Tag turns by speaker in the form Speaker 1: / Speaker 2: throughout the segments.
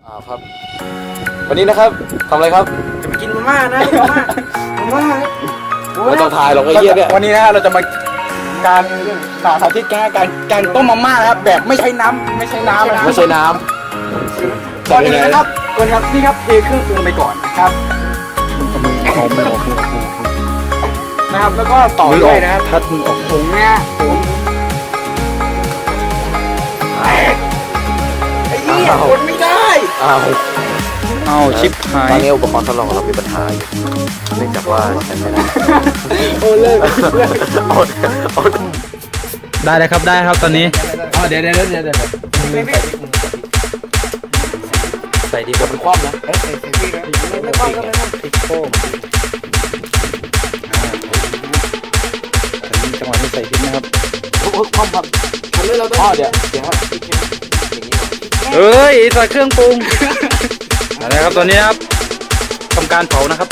Speaker 1: ครับ วันนี้นะครับทำอะไรครับ
Speaker 2: จะไปกินมาม่านะมาม่า
Speaker 1: ไม่ต้องถ่ายหรอกไอ้เหี้ยเนี่ย
Speaker 2: วันนี้นะเราจะมาการสาธิตการต้มมาม่านะครับแบบไม่ใช้น้ำ
Speaker 1: ไม่ใช่น้ำ
Speaker 2: ก่อนอื่นนะครับนี่ครับเทเครื่องปรุงไปก่อนนะครับนะครับแล้วก็ต่อด้วยนะครับ
Speaker 1: ทัดมือออก
Speaker 2: ผงนะผงไอ้เหี้ยคนไม่ได้
Speaker 1: เอาชิปหายตอนนี้อุปกรณ์ทดลองของเรามีปัญหาอยู่เนื่องจากว่าฉันไม่ได้
Speaker 2: โอ้เลิก
Speaker 3: ได้เลยครับได้ครับตอนนี้
Speaker 2: เดี๋ยว
Speaker 1: ใส่ดีกว่าเป็นคว่ำนะ
Speaker 2: ไม่คว่ำก็ไม่คว่ำ
Speaker 1: พริกโค้งจังหวะนี้ใส่พริกนะครับ
Speaker 2: คว่ำครับเราต้อง
Speaker 1: เดี๋ยวครับ
Speaker 3: เอ้ยใส่เครื่องปรุงอะไรครับตอนนี้ครับทำการเผานะครับ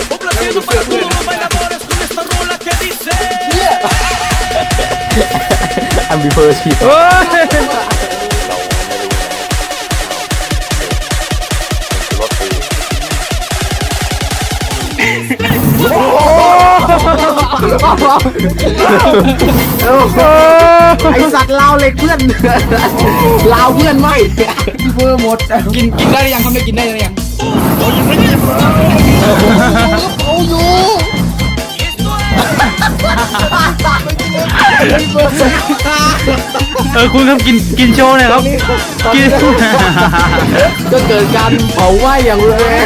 Speaker 1: อัมบิเพอร์ชี
Speaker 2: ไอสัตว์ลาวเหล็กเพื่อนลาวเพื่อนไม่เพื่อหมดกินได้หรือยังครับได้กินได้หรือยัง
Speaker 3: คุณครับกินโชว์หน่อยครับกิน
Speaker 2: ก็เกิดการเผาไหม้อย่างรุนแรง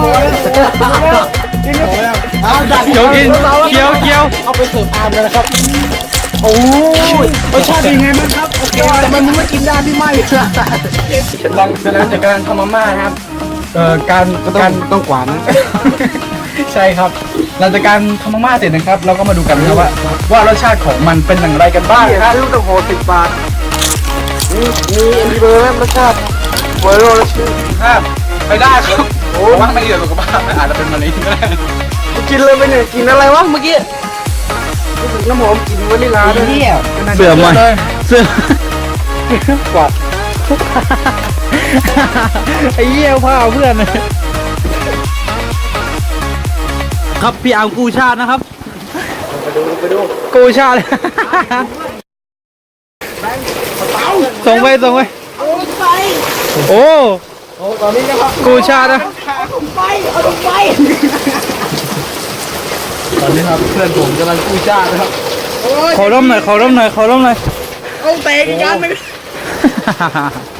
Speaker 3: เคี้ยว
Speaker 2: เอาไปเสิร์ฟอาร์มเลยนะครับโอ้ยรสชาติเป็นไงบ้างครับโอเคแต่มันไม่กินได้ที่ไม่ลองเสร็จแล้วจากการทำมาม่านะครับการต้องกวาดนะใช่ครับหลังจากการทำมาม่าเสร็จนะครับเราก็มาดูกันนะครับว่ารสชาติของมันเป็นอย่างไรกันบ้างครับลูกตะโพ10 บาทมีเอ็นดีเบอร์รสชาติเวอร์โรรสชาติไม่ได้ครับโอ้มันไม่ดีต่อสุขภาพอาจจะเป็นมะเร็งก็ได้กินเลยไปเนี่ยกินอะไรวะเมื่อกี้น้ำหอมกินวานิลลาด้วย
Speaker 3: เสื่อมเลยเสื่อม
Speaker 2: กวาด
Speaker 3: ไอ้เหี้ยผ้าเพื่อนครับพี่อาร์มกู้ชาตินะครับ
Speaker 2: ไปดู
Speaker 3: กู้ชาติส่งไปโอ้
Speaker 2: ตอนนี้นะครับ
Speaker 3: กู้ชาตินะ
Speaker 2: เอาลงไปตอนนี้ครับเพื่อนผมกำลังกู้ชาตินะครับ
Speaker 3: ขอร่มหน่อย
Speaker 2: เอาเตะกัน